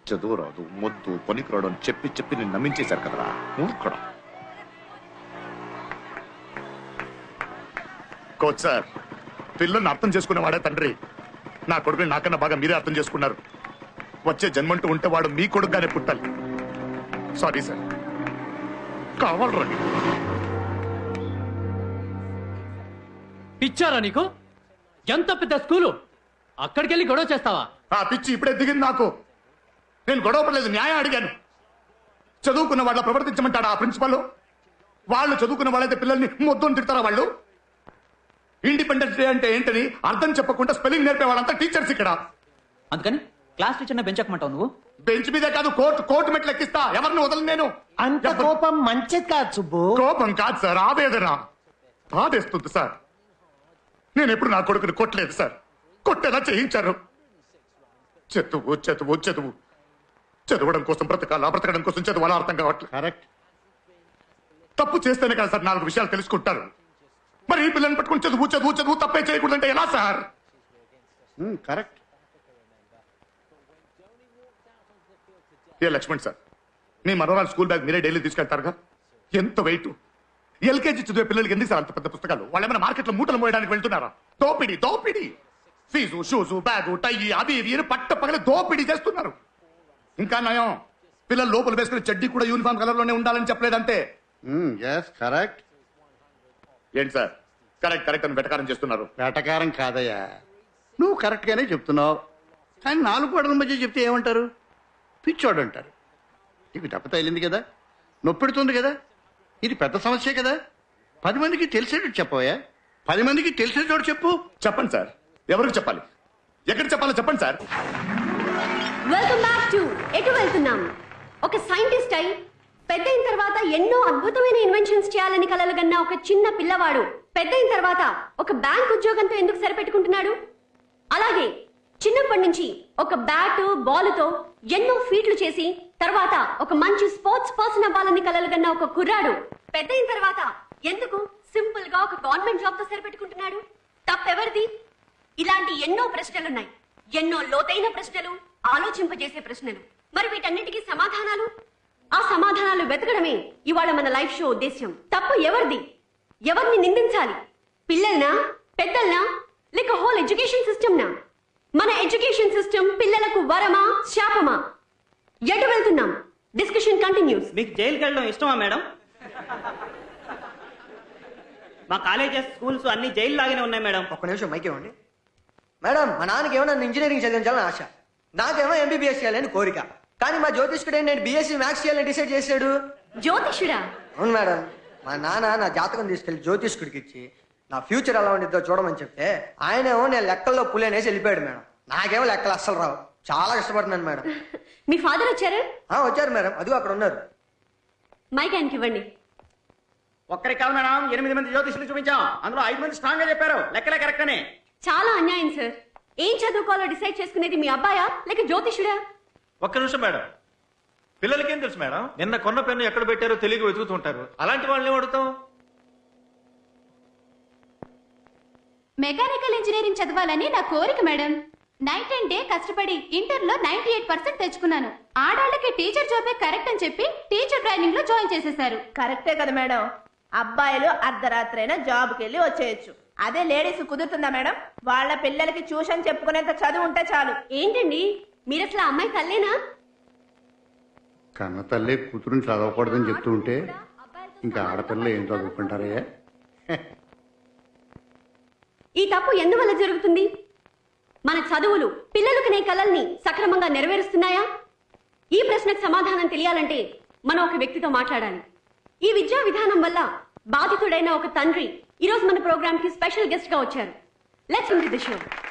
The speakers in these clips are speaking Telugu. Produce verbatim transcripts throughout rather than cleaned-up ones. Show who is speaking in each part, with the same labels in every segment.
Speaker 1: చదువు రాదు, మొద్దు, పనికిరాడు అని చెప్పి చెప్పి నేను నమ్మించేశారు కదరా మూర్ఖుడా. కోచ్ సార్, పిల్లల్ని అర్థం చేసుకునేవాడే తండ్రి. నా కొడుకుని నాకన్నా బాగా మీరే అర్థం చేసుకున్నారు. వచ్చే జన్మంటూ ఉంటే వాడు మీ కొడుకుగానే పుట్టాలి. సారీ సార్, కావాలండి.
Speaker 2: పిచ్చారా నీకు? ఎంత పెద్ద స్కూలు, అక్కడికి వెళ్ళి గొడవ చేస్తావా?
Speaker 1: ఆ పిచ్చి ఇప్పుడే దిగింది నాకు. నేను గొడవ పడలేదు, న్యాయం అడిగాను. చదువుకున్న వాళ్ళ ప్రవర్తించమంటాడా ఆ ప్రిన్సిపల్? వాళ్ళు చదువుకున్న వాళ్ళైతే పిల్లల్ని మొద్దుని తిడతారా వాళ్ళు? ఇండిపెండెన్స్ డే అంటే ఏంటని అర్థం చెప్పకుండా స్పెల్లింగ్ నేర్పే వాళ్ళంతా టీచర్స్ ఇక్కడ.
Speaker 3: అందుకని క్లాస్ టీచర్ బెంచ్ ఎక్కమంటావు నువ్వు?
Speaker 1: బెంచ్ మీదే కాదు, కోర్టు కోర్టు మెట్లు ఎక్కిస్తా. ఎవరిని వదలను నేను.
Speaker 4: అంత కోపం మంచిది కాదు సుబ్బు.
Speaker 1: కోపం కాదు సార్, ఆవేదన. బాధేస్తుంది సార్. నేను ఎప్పుడు నా కొడుకుని కొట్టలేదు సార్, కొట్టేలా చేయించారు. చదువు చదువు చదువు చదవడం కోసం బ్రతకాలా, బ్రతకడం కోసం చదువు అలా అర్థం కావట్లేదు.
Speaker 4: కరెక్ట్.
Speaker 1: తప్పు చేస్తేనే కదా సార్ నాలుగు విషయాలు తెలుసుకుంటారు. మరి ఈ పిల్లల్ని పట్టుకుని చదువు చదువు చదువు తప్పే చేయకూడదంటే ఎలా సార్?
Speaker 4: కరెక్ట్.
Speaker 1: ఏ లక్ష్మణ్ సార్, మీ మనోరాలు స్కూల్ బ్యాగ్ మీరే డైలీ తీసుకెళ్తారుగా. ఎంత వెయిట్. ఎల్కేజీ చదివే పిల్లలకి ఎందుకు సార్ అంత పెద్ద పుస్తకాలు? వాళ్ళు ఏమైనా మార్కెట్లో మూటలు మోయడానికి వెళ్తున్నారా? దోపిడి దోపిడి. ఫీజు, షూజు, బ్యాగు, టై అవి ఇవి పట్ట పగల దోపిడీ చేస్తున్నారు. ఇంకా నయం, పిల్లలు లోపల వేసుకునే చెడ్డీ కూడా యూనిఫామ్ కలర్ లోనే ఉండాలని చెప్పలేదంటే.
Speaker 4: కరెక్ట్.
Speaker 1: ఏంటి సార్ కరెక్ట్ కరెక్ట్ అని వెటకారం చేస్తున్నారు?
Speaker 4: వేటకారం కాదయ్యా, నువ్వు కరెక్ట్ గానే చెప్తున్నావు. కానీ నాలుగు గోడల మధ్య చెప్తే ఏమంటారు? పిచ్చోడు అంటారు. నీకు దెబ్బ తగిలింది కదా, నొప్పెడుతుంది కదా, ఇది పెద్ద సమస్యే కదా. పది మందికి తెలిసేటట్టు చెప్పవయ్యా. పది మందికి తెలిసే చోటు చెప్పు.
Speaker 1: చెప్పండి సార్, ఎవరికి చెప్పాలి, ఎక్కడ చెప్పాలో చెప్పండి సార్.
Speaker 5: వెల్కమ్ బ్యాక్ టు ఎటు వెళ్తున్నాం. ఒక సైంటిస్ట్ అయి పెద్దయిన తర్వాత ఎన్నో అద్భుతమైన ఇన్వెన్షన్స్ చేయాలని కలలుగన్న ఒక చిన్న పిల్లవాడు పెద్దయిన తర్వాత ఒక బ్యాంక్ ఉద్యోగంతో ఎందుకు సరిపెట్టుకుంటున్నాడు? అలాగే చిన్నప్పటి నుంచి ఒక బ్యాట్ బాలుతో ఎన్నో ఫీట్లు చేసి తర్వాత ఒక మంచి స్పోర్ట్స్ పర్సన్ అవ్వాలని కలలుగన్న ఒక కుర్రాడు పెద్దయిన తర్వాత ఎందుకు సింపుల్ గా ఒక గవర్నమెంట్ జాబ్ తో సరిపెట్టుకుంటున్నాడు? తప్పెవరిది? ఇలాంటి ఎన్నో ప్రశ్నలున్నాయి, ఎన్నో లోతైన ప్రశ్నలు, ఆలోచింపజేసే ప్రశ్నలు. మరి వీటన్నిటికీ సమాధానాలు, ఆ సమాధానాలు వెతకడమే ఇవాళ మన లైఫ్ షో ఉద్దేశ్యం. తప్పు ఎవరిది? ఎవరిని నిందించాలి? పిల్లల్నా, పెద్దల్నా, లేక హోల్ ఎడ్యుకేషన్ సిస్టమ్ నా? మన ఎడ్యుకేషన్ సిస్టమ్ పిల్లలకు వరమా, శాపమా? ఎటు వెళ్తున్నాం? Discussion continues.
Speaker 3: మీకు జైలుకి వెళ్ళడం ఇష్టమా మేడం? మా కాలేజెస్, స్కూల్స్ అన్ని జైలు లాగానే ఉన్నాయి మేడం.
Speaker 6: ఒక్క నిమిషం మైక్ ఇవ్వండి మేడం. మా నాన్నకి ఏమో నన్ను ఇంజనీరింగ్ చదివించాలని ఆశ, నాకేమో ఎంబీబీఎస్ చేయాలని కోరిక. కానీ మా జ్యోతిష్కుడు నేను బీఎస్సీ మ్యాథ్స్ చేయాలని డిసైడ్ చేశాడు.
Speaker 5: జ్యోతిషుడా?
Speaker 6: అవును మేడం. మా నాన్న నా జాతకం తీసుకెళ్లి జ్యోతిష్కుడికి ఇచ్చి నా ఫ్యూచర్ ఎలా ఉండిద్దో చూడమని చెప్తే ఆయనేమో నేను లెక్కల్లో పులేనేసి వెళ్ళిపోయాడు మేడం. నాకేమో లెక్కలు అస్సలు రావు, చాలా కష్టపడుతున్నాను మేడం.
Speaker 5: మీ ఫాదర్ వచ్చారు?
Speaker 6: వచ్చారు మేడం, అదిగో అక్కడ ఉన్నారు.
Speaker 5: మైక్ ఆయనకి ఇవ్వండి.
Speaker 3: ఒక్కరికి కాదు మేడం, ఎనిమిది మంది జ్యోతిష్యులు చూపించాం, అందులో ఐదు మంది స్ట్రాంగ్ గా చెప్పారు లెక్కలే కరెక్ట్ అని.
Speaker 5: చాలా అన్యాయం సార్. ఏం చదువుకోవాలో డిసైడ్ చేసుకునేది మీ అబ్బాయా లేక జ్యోతిషుడా?
Speaker 7: ఒక్క నిమిషం మేడం, పిల్లలకేం తెలుసు మేడం? నిన్న కొన్న పెన్ను ఎక్కడ పెట్టారో తెలియక వెతుకుతుంటారు. అలాంటి వాళ్ళని అడుగుతాం.
Speaker 8: మెకానికల్ ఇంజనీరింగ్ చదవాలని నా కోరిక మేడం. నైట్ అండ్ డే కష్టపడి ఇంటర్ లో నైన్టీ ఎయిట్ పర్సెంట్ తెచ్చుకున్నాను. ఆడాళ్ళకి టీచర్ జాబే కరెక్ట్ అని చెప్పి టీచర్ ట్రైనింగ్ లో జాయిన్ చేసేశారు.
Speaker 9: కరెక్టే కదా మేడం, అబ్బాయిలు అర్ధరాత్రైనా జాబ్కి వెళ్ళి వచ్చేయచ్చు. అదే లేడీస్ కుదురుతుందా మేడం? వాళ్ళ పిల్లలకి ట్యూషన్ చెప్పుకునేంత చదువు ఉంటే చాలు.
Speaker 5: ఏంటండి మీరు అసలు అమ్మాయి తల్లేనా?
Speaker 4: కన్న తల్లి కూతురుని చదవకూడదని చెప్తూ ఉంటే ఇంకా ఆడపిల్లలు ఏం చదువుకుంటారే?
Speaker 5: ఈ తప్పు ఎందువల్ల జరుగుతుంది? మన చదువులు పిల్లలు కనే కలల్ని సక్రమంగా నెరవేరుస్తున్నాయా? ఈ ప్రశ్నకు సమాధానం తెలియాలంటే మనం ఒక వ్యక్తితో మాట్లాడాలి. ఈ విద్యా విధానం వల్ల బాధితుడైన ఒక తండ్రి ఈ రోజు మన ప్రోగ్రామ్ కి స్పెషల్ గెస్ట్ గా వచ్చారు. Let's introduce the show.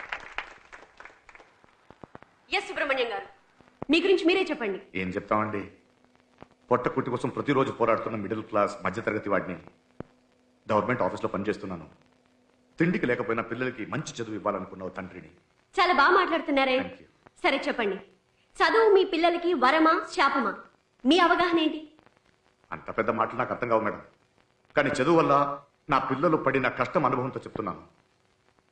Speaker 5: S Subrahmanyam గారు, మీ గురించి మీరే చెప్పండి.
Speaker 1: ఏం చెప్తామండి, పొట్ట కుట్టి కోసం ప్రతిరోజు పోరాడుతున్న మిడిల్ క్లాస్ మధ్యతరగతి వాడిని. గవర్నమెంట్ ఆఫీస్లో పనిచేస్తున్నాను. తిండికి లేకపోయినా పిల్లలకి మంచి చదువు ఇవ్వాలనుకున్న తండ్రిని.
Speaker 5: చాలా బాగా మాట్లాడుతున్నారే. సరే చెప్పండి, చదువు మీ పిల్లలకి వరమా, శాపమా? మీ అవగాహన ఏంటి?
Speaker 1: అంత పెద్ద మాటలు నాకు అర్థం కావు మేడం. కానీ చదువు వల్ల నా పిల్లలు పడిన కష్టం అనుభవంతో చెప్తున్నాను.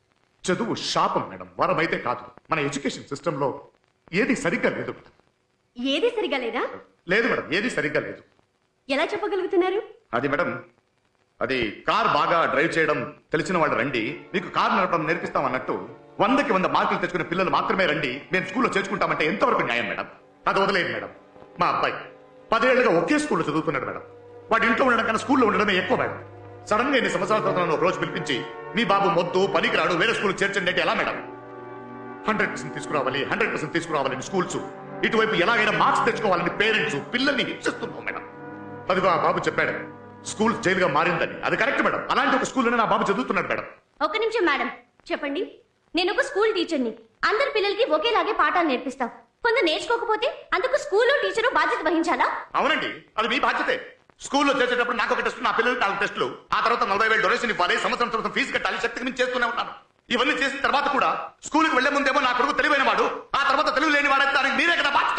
Speaker 1: చదువు శాపం మేడం, వరం అయితే కాదు. మన ఎడ్యుకేషన్ సిస్టంలో ఏది సరిగ్గా లేదు.
Speaker 5: ఏది సరిగా లేదా?
Speaker 1: లేదు మేడం, ఏది సరిగ్గా లేదు.
Speaker 5: ఎలా చెప్పగలుగుతున్నారు?
Speaker 1: అది మేడం, అది కార్ బాగా డ్రైవ్ చేయడం తెలిసిన వాళ్ళు రండి, మీకు కార్ నడపడం నేర్పిస్తాం అన్నట్టు వందకి వంద మార్కులు తెచ్చుకునే పిల్లలు మాత్రమే రండి, మేము స్కూల్లో చేర్చుకుంటామంటే ఎంతవరకు న్యాయం మేడం? అది వదిలేదు మేడం. మా అబ్బాయి పదేళ్లుగా ఒకే స్కూల్లో చదువుతున్నాడు మేడం. వాడి ఇంట్లో ఉండడం కన్నా స్కూల్లో ఉండడమే ఎక్కువ మేడం. సడన్ గా ఎన్ని సంవత్సరాల తర్వాత ఒక రోజు పిలిపించి మీ బాబు మొద్దు పనికిరాడు వేరే స్కూల్ చేర్చండి అంటే ఎలా మేడం? హండ్రెడ్ పర్సెంట్ తీసుకురావాలి, హండ్రెడ్ పర్సెంట్ తీసుకురావాలని స్కూల్స్, ఇటువైపు ఎలాగైనా మార్క్స్ తెచ్చుకోవాలని పేరెంట్స్ పిల్లల్ని హింసిస్తున్నాం మేడం. అదిగో ఆ బాబు చెప్పాడు స్కూల్ జైలుగా మారిందని. అది కరెక్ట్ మేడం. అలాంటి ఒక స్కూల్లోనే నా బాబు చదువుతున్నాడు మేడం.
Speaker 5: ఒక నిమిషం మేడం, చెప్పండి. నేను ఒక స్కూల్ టీచర్ని. అందరి పిల్లలకి ఒకేలాగే పాఠాలు నేర్పిస్తాం. కొందరు నేర్చుకోకపోతే అందుకు స్కూల్లో టీచరు బాధ్యత వహించాలా?
Speaker 1: అవునండి, అది మీ బాధ్యతే. స్కూల్లో చేసేటప్పుడు నాకు ఒక టెస్ట్, నా పిల్లలకి నాలుగు టెస్టులు, ఆ తర్వాత నలభై వేలు డొనేషన్ ఇవ్వాలి, సంవత్సరం తర్వాత ఫీజు కట్టాలి, శక్తికి మించి చేస్తూనే ఉన్నాను. ఇవన్నీ చేసిన తర్వాత కూడా స్కూల్కి వెళ్లే ముందేమో నా కొడుకు తెలివైన వాడు, ఆ తర్వాత తెలివి లేని వాడు, దానికి మీరే కదా బాధ్యత.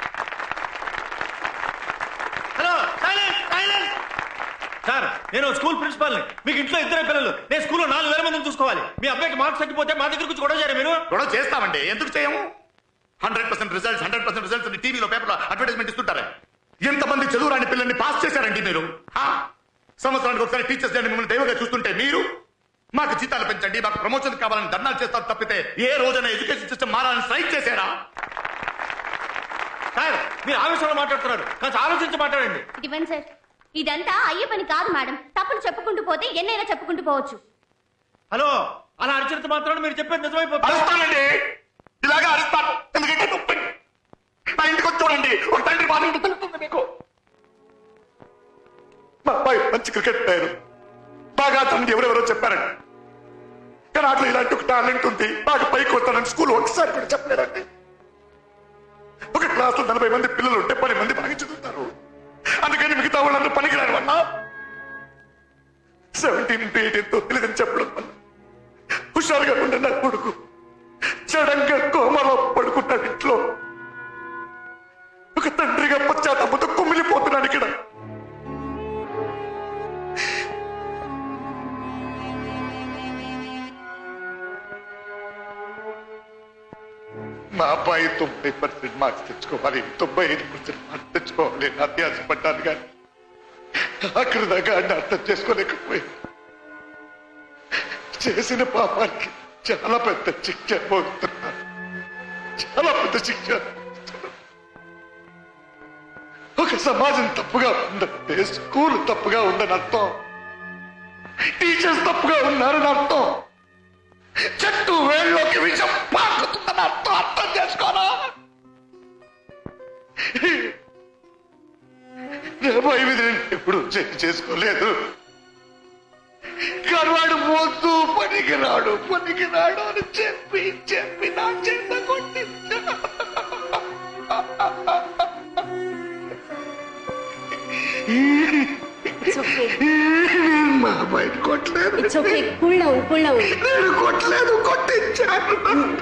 Speaker 7: Hello, silence, silence. సార్, నేను స్కూల్ ప్రిన్సిపాల్ని. మీకు ఇంట్లో ఇద్దరే పిల్లలు, నేను స్కూల్లో నాలుగు వేల మందిని చూసుకోవాలి. మీ అబ్బాయికి మార్క్స్ తగ్గిపోతే మా దగ్గర నుంచి గొడవ చేయరు మీరు?
Speaker 1: గొడవ చేస్తామండి, ఎందుకు చేయము? Hundred percent results, hundred percent results టీవీలో పేపర్లో అడ్వర్టైజ్మెంట్ ఇస్తుంటారే. ఎంతమంది చదువురాని పిల్లల్ని పాస్ చేశారండి మీరు? సంవత్సరానికి ఒకసారి టీచర్స్ డే మిమ్మల్ని దైవంగా చూస్తుంటే మీరు మాకు జీతాలు పెంచండి, మాకు ప్రమోషన్ కావాలని ధర్నాలు చేస్తారు తప్పితే ఏ రోజైనా ఎడ్యుకేషన్ సిస్టమ్ మారాలని స్ట్రైక్ చేశారా?
Speaker 7: సార్, మీరు ఆవేశంలో మాట్లాడుతున్నారు, కాస్త ఆలోచించి మాట్లాడండి.
Speaker 5: ఇవ్వండి సార్. ఇదంతా అయ్యే పని కాదు మేడం. తప్పులు చెప్పుకుంటూ పోతే ఎన్నైనా చెప్పుకుంటూ పోవచ్చు.
Speaker 7: హలో, అలా అరిచినంత మాత్రాన మీరు చెప్పేది నిజమైపోతుంది.
Speaker 1: అరుస్తానండి, ఇలాగా అరుస్తాను. ఎందుకంటే నొప్పి. నా ఇంటికి వచ్చి చూడండి, ఒక తండ్రి బాధ ఏంటో తెలుస్తుంది మీకు. మా అబ్బాయి మంచి క్రికెట్ ప్లేయర్, బాగా తనకి ఎవరెవరో చెప్పారండి. కానీ అట్లా ఇలాంటి ఒక టాలెంట్ ఉంది, బాగా పైకి వస్తానని స్కూల్ ఒకసారి కూడా చెప్పలేదండి. ఒక క్లాస్ లో నలభై మంది పిల్లలు ఉంటే పది మంది బాగా చదువుతారు, అందుకని మిగతా వాళ్ళందరూ పనికిరాని వల్ల సెవెంటీన్ ఇంటూ ఎయిటీన్ తో తెలియదని చెప్పడం వల్ల హుషారుగా ఉండే నా కొడుకు సడన్గా కోమలో పడుకుంటాడు. ఇంట్లో ఒక తండ్రిగా పశ్చాత్తాపంతో కుమిలిపోతున్నాడు. ఇక్కడ మా అబ్బాయి తొంభై పర్సెంట్ మార్క్స్ తెచ్చుకోవాలి, తొంభై ఐదు పర్సెంట్ మార్క్స్ తెచ్చుకోవాలి అని అత్యాశపడ్డాను. కానీ అక్కడ దాకా ఆయన అర్థం చేసుకోలేకపోయింది. చేసిన పాపానికి చాలా పెద్ద శిక్ష పోతున్నాను, చాలా పెద్ద శిక్ష. ఒక సమాజం తప్పుగా ఉందంటే స్కూల్ తప్పుగా ఉందని అర్థం, టీచర్స్ తప్పుగా ఉన్నారని అర్థం, చెట్టు వేళ్ళలోకి విషం పాకుతుందని అర్థం. అర్థం చేసుకోనా? ఎప్పుడు చేసుకోలేదు. కరువాడు మోస్తూ పనికి రాడు పనికి రాడు అని చెప్పి చెప్పి నా చేత కొట్టించా. మా అబ్బాయిని కొట్టలేదు, నేను కొట్టలేదు, కొట్టించాను.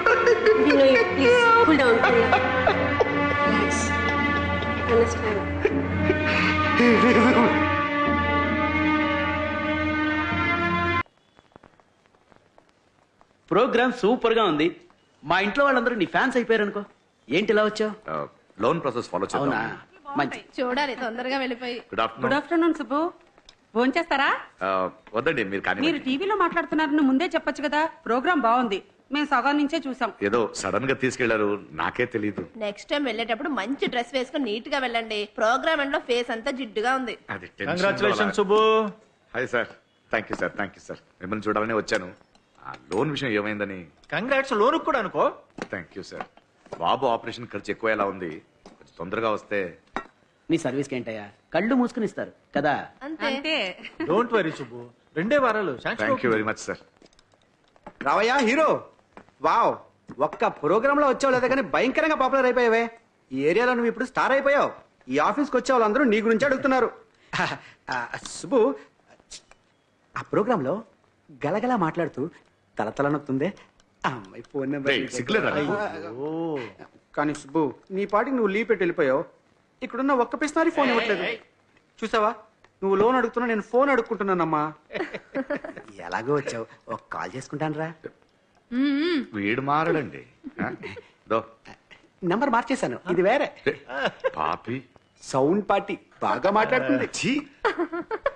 Speaker 2: ప్రోగ్రామ్ సూపర్ గా ఉంది. మా ఇంట్లో వాళ్ళందరూ నీ ఫ్యాన్స్ అయిపోయారు అనుకో. ఏంటి ఇలా వచ్చావు?
Speaker 1: లోన్ ప్రాసెస్ ఫాలో
Speaker 2: అవునా, మంచి.
Speaker 9: చూడాలి తొందరగా వెళ్ళిపోయి.
Speaker 1: Good afternoon.
Speaker 10: Good afternoon Subbu. Phone చేస్తారా?
Speaker 1: వద్దండి, మీరు కానీ
Speaker 10: మీరు టీవీలో మాట్లాడుతున్నారని ముందే చెప్పొచ్చు కదా. ప్రోగ్రామ్ బాగుంది, మేము సగం నుంచే చూసాం.
Speaker 1: ఏదో సడన్ గా తీసుకెళ్లారు, నాకే తెలియదు.
Speaker 9: నెక్స్ట్ టైం వెళ్ళేటప్పుడు మంచి డ్రెస్ వేసుకుని నీట్ గా వెళ్ళండి. ప్రోగ్రామ్ ఎండ్ లో ఫేస్ అంతా జిడ్డుగా ఉంది.
Speaker 7: Congratulation Subbu.
Speaker 1: Hi sir. Thank you sir, thank you sir. మిమ్మల్ని చూడాలని వచ్చాను. ఆ లోన్ విషయం ఏమైందని.
Speaker 7: కంగ్రాట్స్, లోన్ కూడా అనుకో.
Speaker 1: Thank you sir. బాబు ఆపరేషన్ ఖర్చు ఎక్కువ ఎలా ఉంది, కొంచెం తొందరగా వస్తే.
Speaker 2: నీ సర్వీస్ కి ఏంటయ్యా, కళ్ళు మూసుకుని ఇస్తారు కదా.
Speaker 9: అంతే.
Speaker 7: డోంట్ వరీ సుబ్బు, రెండే వారాలు.
Speaker 1: Thank you very much sir.
Speaker 3: రావయ్యా హీరో. వావ్, ఒక్క ప్రోగ్రామ్ లో వచ్చావు లేదా కానీ భయంకరంగా పాపులర్ అయిపోయావే. ఈ ఏరియాలో నువ్వు ఇప్పుడు స్టార్ అయిపోయావు. ఈ ఆఫీస్కి వచ్చే వాళ్ళందరూ నీ గురించి అడుగుతున్నారు. సుబ్బు, ఆ ప్రోగ్రామ్ లో గలగలా మాట్లాడుతూ తలతల నొత్తుందే ఆ అమ్మాయి ఫోన్ నెంబర్.
Speaker 1: రేయ్, సిగ్గులేదా నీకు?
Speaker 3: కానీ సుబ్బు, నీ పాటికి నువ్వు లీవ్ పెట్టి వెళ్ళిపోయావు. ఇక్కడున్న ఒక్క పిస్నారి ఫోన్ ఇవ్వట్లేదు. చూసావా, నువ్వు లోన్ అడుగుతున్నా, నేను ఫోన్ అడుక్కుంటున్నానమ్మా. ఎలాగో వచ్చావు, ఒక కాల్ చేసుకుంటాను రా.
Speaker 1: వీడు మారడండి. దో
Speaker 3: నెంబర్ మార్చేశాను ఇది వేరే
Speaker 1: పాపి
Speaker 3: సౌండ్ పార్టీ బాగా మాట్లాడుతుంది
Speaker 1: ఛీ